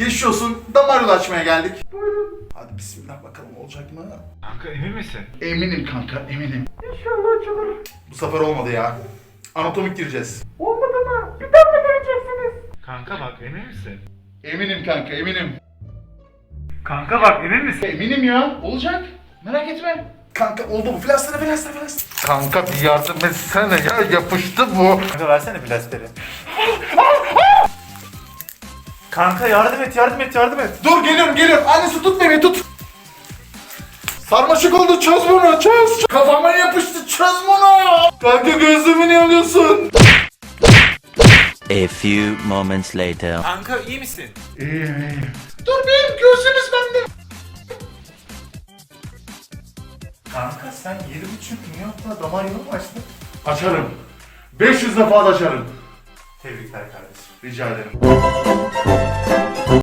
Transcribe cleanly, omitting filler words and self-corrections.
Geçmiş olsun. Damar yolu açmaya geldik. Buyurun. Hadi bismillah bakalım olacak mı? Kanka emin misin? Eminim kanka eminim. İnşallah açılır. Bu sefer olmadı ya. Anatomik gireceğiz. Olmadı mı? Bir daha mı göreceksiniz? Kanka bak emin misin? Eminim kanka eminim. Kanka bak emin misin? Eminim ya. Olacak. Merak etme. Kanka oldu bu. Plastara. Kanka bir yardım etsene ya. Yapıştı bu. Kanka versene plasteri. Kanka yardım et. Dur geliyorum. Annesi tut beni tut. Sarmaşık oldu, çöz bunu, çöz. Kafama yapıştı, çöz bunu. Kanka gözlüğümü niye alıyorsun? A few moments later. Kanka iyi misin? İyiyim. Dur benim gözlüğümüz bende. Kanka sen 7,5 milyonla damar yolu mu açtın? Açarım. 500 defa da açarım. Tebrikler kardeşim. Rica ederim.